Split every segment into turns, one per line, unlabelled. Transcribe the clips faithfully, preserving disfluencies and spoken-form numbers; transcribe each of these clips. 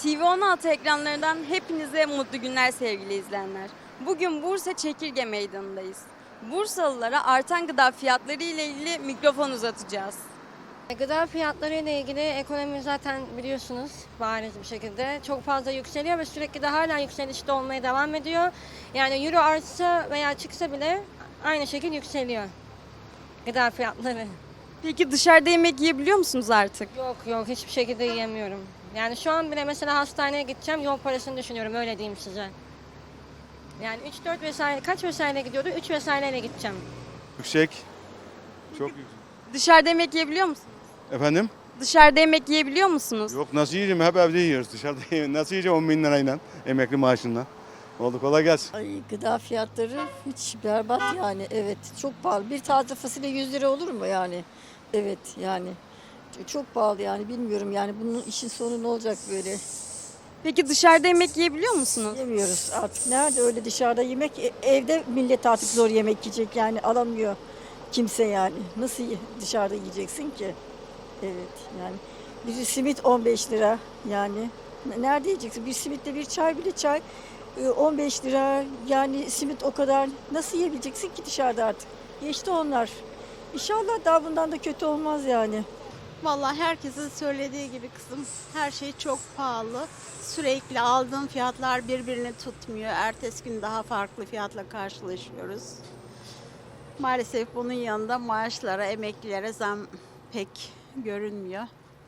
T V on altı ekranlarından hepinize mutlu günler sevgili izleyenler. Bugün Bursa Çekirge Meydanı'ndayız. Bursalılara artan gıda fiyatları ile ilgili mikrofon uzatacağız.
Gıda fiyatları ile ilgili ekonomi zaten biliyorsunuz bariz bir şekilde çok fazla yükseliyor ve sürekli de hala yükselişte olmaya devam ediyor. Yani euro artsa veya çıksa bile aynı şekilde yükseliyor gıda fiyatları.
Peki dışarıda yemek yiyebiliyor musunuz artık?
Yok yok hiçbir şekilde yiyemiyorum. Yani şu an bile mesela hastaneye gideceğim, yol parasını düşünüyorum, öyle diyeyim size. Yani üç dört vesaire, kaç vesaire gidiyordu? üç vesaireyle gideceğim.
Yüksek. Çok yüksek.
Dışarıda yemek yiyebiliyor musunuz?
Efendim?
Dışarıda yemek yiyebiliyor musunuz?
Yok, nasıl yiyeceğim? Hep evde yiyoruz. Dışarıda yiyeyim. Nasıl yiyeceğim on bin lirayla emekli maaşından? Oldu, kolay gelsin.
Ay, gıda fiyatları hiç berbat yani, evet çok pahalı. Bir taze fasulye yüz lira olur mu yani? Evet yani çok pahalı yani, bilmiyorum yani bunun işin sonu ne olacak böyle?
Peki dışarıda yemek yiyebiliyor musunuz?
Yemiyoruz artık, nerede öyle dışarıda yemek, E- evde millet artık zor yemek yiyecek yani, alamıyor kimse yani. Nasıl ye- dışarıda yiyeceksin ki? Evet yani bir simit on beş lira yani, N- nerede yiyeceksin? Bir simitle bir çay, bile çay e, on beş lira yani, simit o kadar, nasıl yiyebileceksin ki dışarıda artık? Geçti onlar. İnşallah daha bundan da kötü olmaz yani.
Vallahi herkesin söylediği gibi kızım, her şey çok pahalı. Sürekli aldığım fiyatlar birbirini tutmuyor. Ertesi gün daha farklı fiyatla karşılaşıyoruz. Maalesef bunun yanında maaşlara, emeklilere zam pek görünmüyor.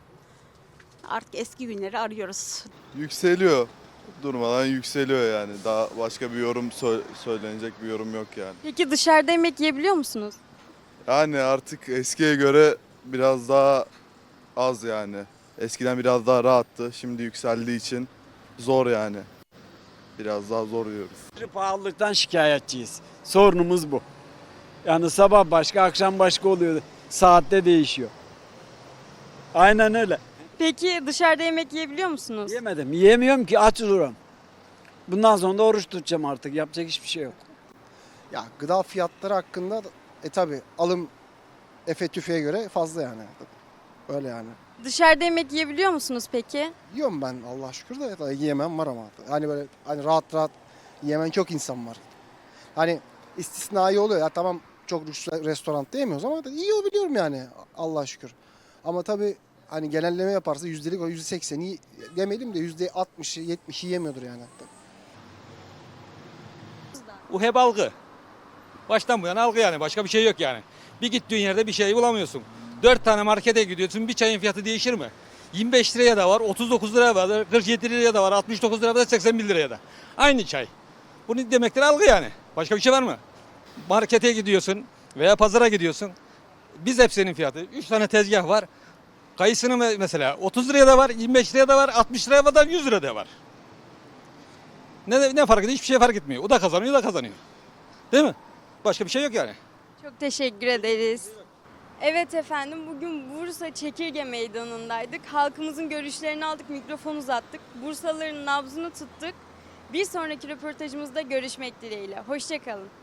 Artık eski günleri arıyoruz.
Yükseliyor. Durmadan yükseliyor yani. Daha başka bir yorum sö- söylenecek bir yorum yok yani.
Peki dışarıda yemek yiyebiliyor musunuz?
Yani artık eskiye göre biraz daha az yani. Eskiden biraz daha rahattı. Şimdi yükseldiği için zor yani. Biraz daha zor yiyoruz.
Pahalılıktan şikayetçiyiz. Sorunumuz bu. Yani sabah başka, akşam başka oluyor. Saatte değişiyor. Aynen öyle.
Peki dışarıda yemek yiyebiliyor musunuz?
Yemedim. Yiyemiyorum ki, aç duruyorum. Bundan sonra da oruç tutacağım artık. Yapacak hiçbir şey yok.
Ya gıda fiyatları hakkında da, e tabi alım efe tüfeğe göre fazla yani. Öyle yani.
Dışarıda yemek yiyebiliyor musunuz peki?
Yiyorum ben Allah şükür de, tabii yiyemem var ama. Hani böyle hani rahat rahat yemen çok insan var. Hani istisnai oluyor ya, tamam çok lüks restoranda yemiyoruz ama yiyor biliyorum yani Allah şükür. Ama tabi hani genelleme yaparsa yüzdelik o yüzde sekseni yemeyelim de yüzde altmışı yetmişi yemiyordur yani.
Bu hep algı. Baştan bu yana algı yani. Başka bir şey yok yani. Bir gittiğin yerde bir şey bulamıyorsun. Dört tane markete gidiyorsun. Bir çayın fiyatı değişir mi? yirmi beş liraya da var, otuz dokuz liraya da var, kırk yedi liraya da var, altmış dokuz liraya da, seksen bir liraya da. Aynı çay. Bunu demektir algı yani. Başka bir şey var mı? Markete gidiyorsun veya pazara gidiyorsun. Biz hepsinin fiyatı. Üç tane tezgah var. Kayısının me- mesela otuz liraya da var, yirmi beş liraya da var, altmış liraya da var, yüz liraya da var. Ne, ne fark ediyor? Hiçbir şey fark etmiyor. O da kazanıyor, o da kazanıyor. Değil mi? Başka bir şey yok yani.
Çok teşekkür ederiz. Evet efendim, bugün Bursa Çekirge Meydanı'ndaydık. Halkımızın görüşlerini aldık, mikrofon uzattık. Bursalıların nabzını tuttuk. Bir sonraki röportajımızda görüşmek dileğiyle. Hoşça kalın.